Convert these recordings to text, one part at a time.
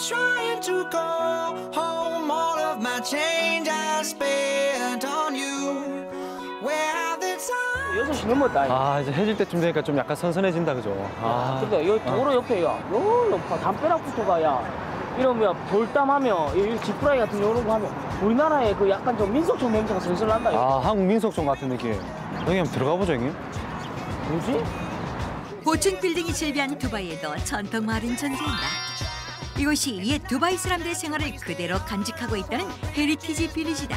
trying to go home. All of my change I spent on you. Where have the time? 6시 넘었다. 아 이제 해질 때쯤 되니까 좀 약간 선선해진다 그죠? 아. 근데 여기 도로 옆에 야, 요 담벼락부터 가야 이러면 돌담하면 이 지푸라기 같은 이런 거 하면 우리나라의 그 약간 좀 민속촌 냄새가 슬슬 난다. 아 한국 민속촌 같은 느낌. 형님 한번 들어가 보죠 형님. 뭐지? 고층 빌딩이 즐비한 두바이에도 전통 마을은 존재한다. 이곳이 옛 두바이 사람들의 생활을 그대로 간직하고 있다는 헤리티지 빌리지다.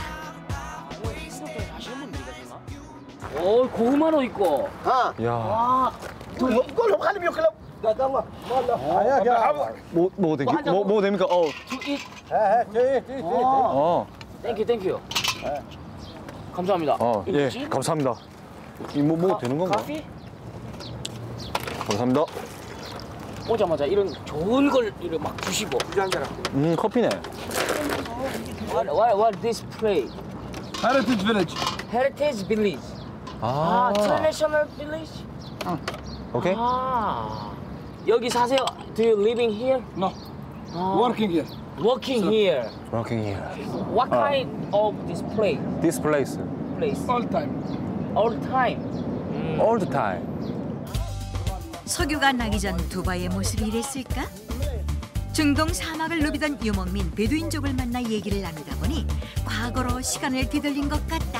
오, 고구마도 있고. 야. 와, 뭐 됩니까? 땡큐. 감사합니다. 예, 뭐지? 감사합니다. 이 뭐 되는 건가? 커피? 감사합니다. 오자마자 이런 좋은 걸 이렇게 막 주시고. 커피네. What this place? Heritage Village. Heritage Village. 아, Traditional Village? 오케이. 아, 여기 사세요? Do you living here? No. Working here. Working here. Working here. What kind of this place? This place. All time. All time. All the time. 석유가 나기 전 두바이의 모습이 이랬을까? 중동 사막을 누비던 유목민 베두인족을 만나 얘기를 나누다 보니 과거로 시간을 뒤돌린 것 같다.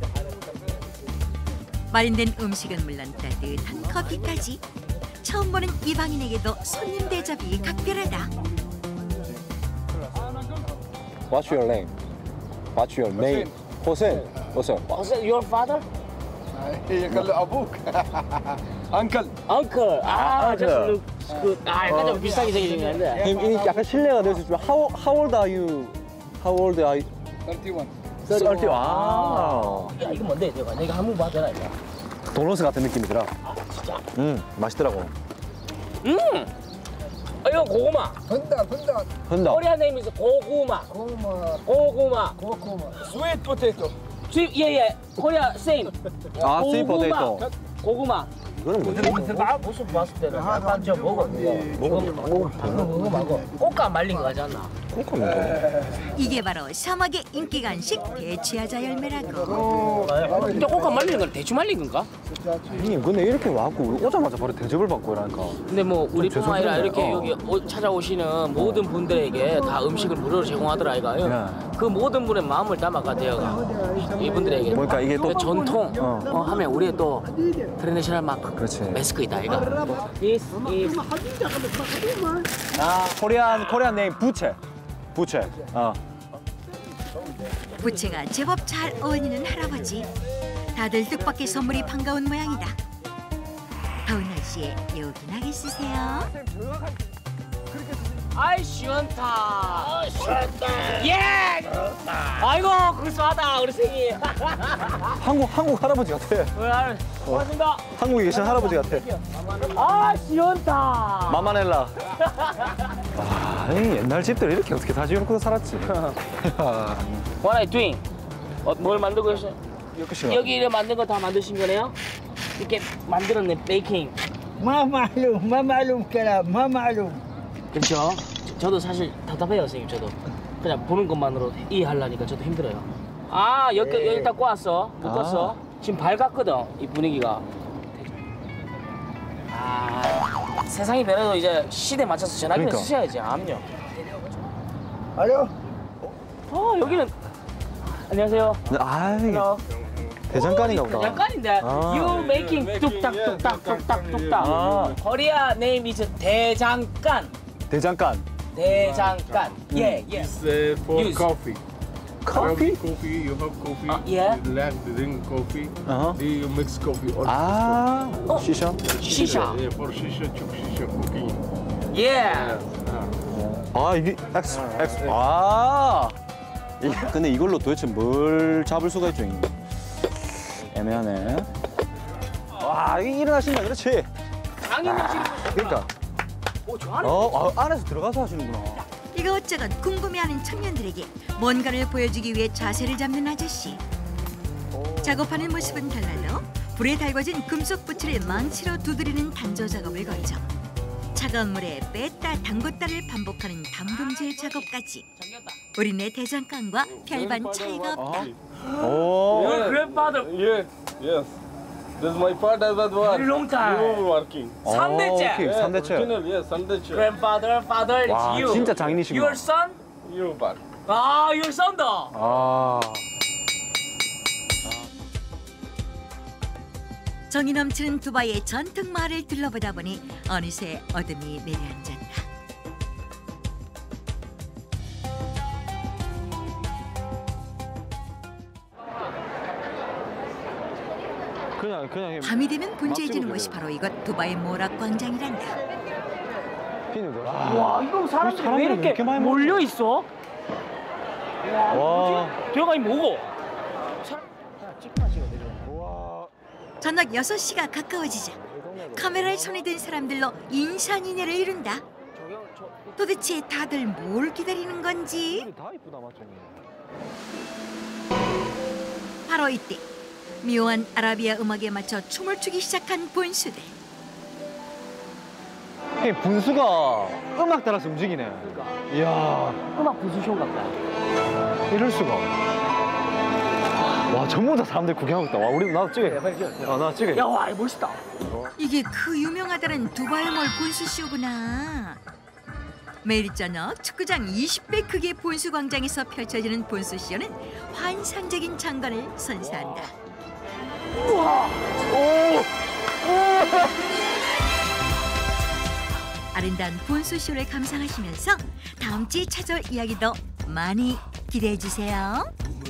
마련된 음식은 물론 따뜻한 커피까지 처음 보는 이방인에게도 손님 대접이 각별하다. What's your name? What's your name? 호센. 호센. Was it your father? قال له ابوك. Uncle. Uncle. 아, just Uncle. looks good. 아, 약간 좀 비슷하게 생기긴 한데. 이 약간 실례가 될 수 있지만 how old are you? How old are you? 31. 30. 아. 야, 이거 뭔데? 내가 한번 봐줘라 이거. 도넛 같은 느낌이더라. 진짜. 맛있더라고. 이거 고구마. هندا. 흔다. 코리안 네임이 고구마. 고구마. Sweet potato. 예. 코리아 same. 아, sweet potato. 고구마. 이거는 뭐지? 모습 봤을 때는 약간 좀 먹었는데 방금 먹어. 꽃감 말린 거 같지 않나? 이게 바로 사막의 인기 간식 대치하자 열매라고. 근데 꽃감 말린 건 대충 말린 건가? 형님 근데 이렇게 와갖고 오자마자 바로 대접을 받고 이러니까. 근데 뭐 우리뿐만 아니라 이렇게 죄송한데, 여기 찾아오시는 모든 분들에게 다 음식을 무료로 제공하더라 이거요. 네. 그 모든 분의 마음을 담아가 되어가 이분들에게. 그러니까 이게 또 전통 하면 우리의 또 트레디셔널 마크. 그렇지. 매스크이다 이거. This is 코리안 네임 부채. 부채가 제법 잘 어울리는 할아버지. 다들 뜻밖의 선물이 반가운 모양이다. 더운 날씨에 요긴하게 쓰세요. 아이 시원타. 예. 아이고 그럴싸하다 우리 생이. 한국 할아버지 같아. 고맙습니다. 한국에 계신 할아버지 같아. 아 시원타. 마마넬라. 아, 이 옛날 집들 이렇게 어떻게 다 지어놓고 살았지. What are you doing? 뭘 만들고 계세요? 이렇게 여기 이렇게 만든 거 다 만드신 거네요? 이렇게 만들었네 베이킹. ما معلوم كلام ما معلوم. 그렇죠. 저도 사실 답답해요 선생님. 저도 그냥 보는 것만으로 이해하려니까 저도 힘들어요. 아 여기 딱 꼬았어. 묶었어. 지금 밝았거든 이 분위기가. 아 세상이 변해도 이제 시대에 맞춰서 전화기를 그러니까. 쓰셔야지. 암요. الو 여기는 안녕하세요. 아, 이게 대장간인가 보다. 대장간인데 you making 뚝딱. 코리아 name is 대장간. 대장간. 예. For Use. coffee. Coffee? Coffee, you have coffee. Yeah. You like to drink coffee. Uh-huh. Do you mix coffee or 아, 시샤? 시샤. Yeah, for shisha, chuk shisha cooking. 예. 아, 이게 아. 근데 이걸로 도대체 뭘 잡을 수가 있죠, 이게? 애매하네. 와, 일어나신다, 그렇지? 당연히 지금. 그러니까. 오, 저 안에. 안에서 들어가서 하시는구나. 이것저것 궁금해하는 청년들에게 뭔가를 보여주기 위해 자세를 잡는 아저씨. 작업하는 모습은 달라도 불에 달궈진 금속 부츠를 망치로 두드리는 단조 작업을 거쳐 차가운 물에 뺐다 담궜다를 반복하는 담금질 작업까지 우리네 대장간과 별반 차이가 없다. 오. Your grandfather Yeah, yes. This is my father that was. very long time. You working. 오케이, 3대째. 3대째. Original, yes, Sandesh. Grandfather, father, 와, it's you. 진짜 장인이시구나. Your son? You bar. 아, your son도. 아. 정이 넘치는 두바이의 전통 마을을 둘러보다 보니 어느새 어둠이 내려앉았다. 그냥 밤이 되면 분주해지는 곳이 바로 이곳 두바이 모락 광장이란다. 피누들. 와, 이거 사람들이 왜 사람들이 이렇게 이렇게 많이 몰려 있어? 와, 와. 뭐지? 들어가니 뭐고? 와. 저녁 6시가 가까워지자 카메라에 손이 든 사람들로 인산인해를 이룬다. 도대체 다들 뭘 기다리는 건지? 다 이쁘다 맞죠? 바로 이때 묘한 아라비아 음악에 맞춰 춤을 추기 시작한 본수들. 분수가 음악 따라서 움직이네. 이야, 음악 부수쇼 같다. 이럴 수가. 와, 전부 다 사람들 구경하고 있다. 와, 우리 나도 찍어. 빨리 찍어. 나 찍어. 야, 와, 이거 멋있다. 이게 그 유명하다는 두바이몰 본수쇼구나. 매일 저녁 축구장 20배 크기의 본수 광장에서 펼쳐지는 본수쇼는 환상적인 장관을 선사한다. 우와. 오. 아름다운 본수쇼를 감상하시면서 다음 주에 찾아올 이야기도 많이 기대해 주세요.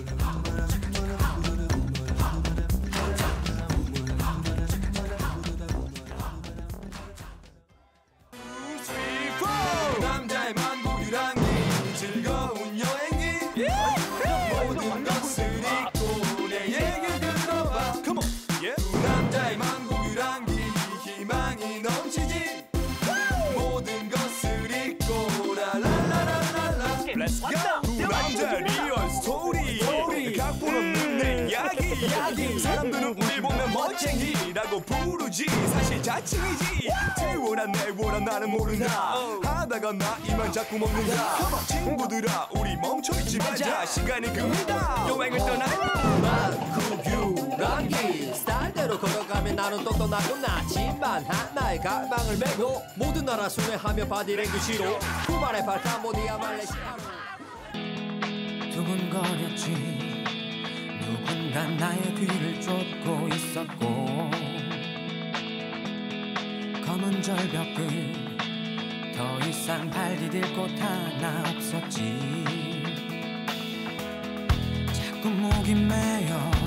남자의 만국이란 게 즐거운 여행이 모든 것을 잊고 내 얘기를 들어봐 두 남자의 만국이란 게 희망이 넘치지 모든 것을 잊고 라라라라라 두 남자 리얼 스토리 각본 없는 내 이야기 사람들은 우리 보면 멋쟁이라고 부르지 사실 자칭이지 태워라 내워라 나는 모른다 하다가 나 이만 자꾸 먹는다 친구들아 우리 멈춰있지 말자 시간이 금이다 여행을 떠나자 만국유란 길 스타일대로 걸어가면 나는 똑똑하고 나지만 하나의 가방을 메고 모든 나라 순회하며 바디랭귀지로 쿠바의 발칸보디아 말레이시아로 두근거렸지 누군가 나의 뒤를 쫓고 있었고 검은 절벽 끝 더 이상 발 디딜 곳 하나 없었지 자꾸 목이 메여